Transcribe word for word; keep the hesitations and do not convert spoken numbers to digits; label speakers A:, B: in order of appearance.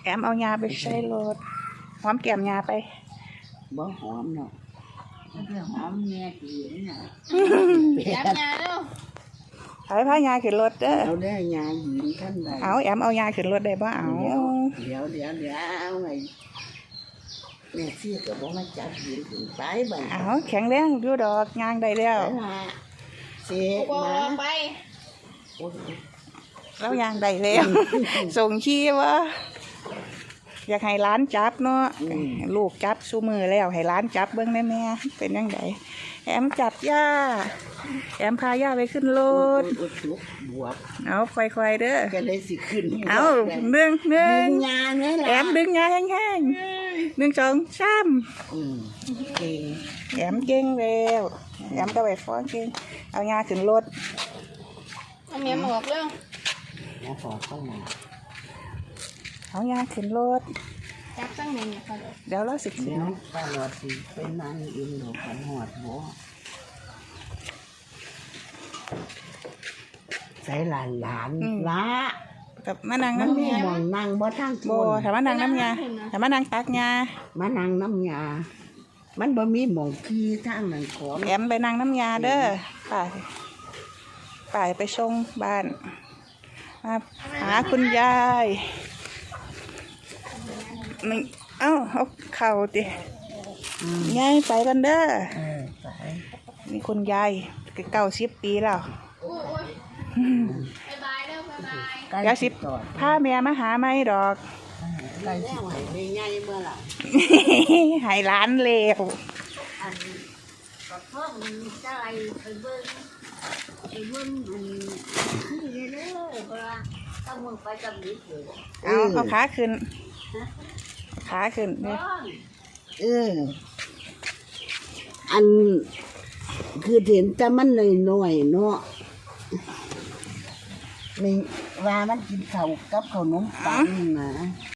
A: แอมเอายาไปใช้รถหอมแก้มยาไป
B: บ่หอมเนาะเรื่องหอมแม่กินน่ะ
C: แอมยาเด้อ
A: ใช้ผ้ายาขึ้นรถเด้อ
B: เอาได้ยาหญิงท่านใด
A: เอาแอมเอายาขึ้นรถได้บ่เอา
B: เดี๋ยวเดี๋ยวเดี๋ยวเอาไงแม่ซี่ก็บ่มาจับหญิงถึงไปบ่
A: เอาแข็งแรงอยู่ดอกยางได้แล้ว
B: เสียมา
C: ไป
A: แล้วยางได้แล้วส่งขี้วะอยากให้ร้านจับเนาะลูกจับซูมือแล้วให้ร้านจับเบิ้งได้แม่เป็นยังไงแอมจับย่าแอมพาย่าไปขึ้นรถเอาค่อยๆเด้อ
B: ก็เลยสิขึ้น
A: เอาหนึ่งหนึ่งแอมดึงยาแห้งๆหนึ่งสองสามแอมเก่งแล้วแอมก็ไปฟ้อนเก่งเอายาขึ้นรถ
C: เอาเมียหมวกเร็ว
B: แล้วขอเข้ามา
A: เอายาขึ้นรถ
C: จับตั้งไหนเนี่ยค่ะ
A: เดี๋ยวเราสิ
B: เดี๋ยวป้าหลอดสิเป็นนางอินหนูขันหอดบ่ใส่หลานหลานละ
A: กับมานางน้ำยาม
B: องนางบ่ทั้ง
A: โบถามมานางน้ำยาถามมานางตักยา
B: มานั่งน้ำยามันบ่มีหมองขี้ทางนั้นขอ
A: แอมไปนางน้ำยาเด้อป่าป่าไปชงบ้านมาหาคุณยายมึงเอ้าเอาเข่าดิยายไปกันเด้อนี่คุณยายเก้าสิบปีแล้วเก้าสิบพาแม่มาหาไม่ดอก
B: ไก่สิไปใหญ่เมื่อไหร่
A: หายร้านเลว
B: ก็เพิ่มจะอะไรไปเบิ้งไปเบิ้งมันขึ้นเรื่อยๆเพราะว่าต้องมึงไปกับนิดเดียว
A: เอาเอาขาขึ้นขาขึ้นเนี่ย
B: เอออันคือเห็นแต่มันน้อยๆเนาะนี่ว่ามันกินข้าวกับขนมปังนะ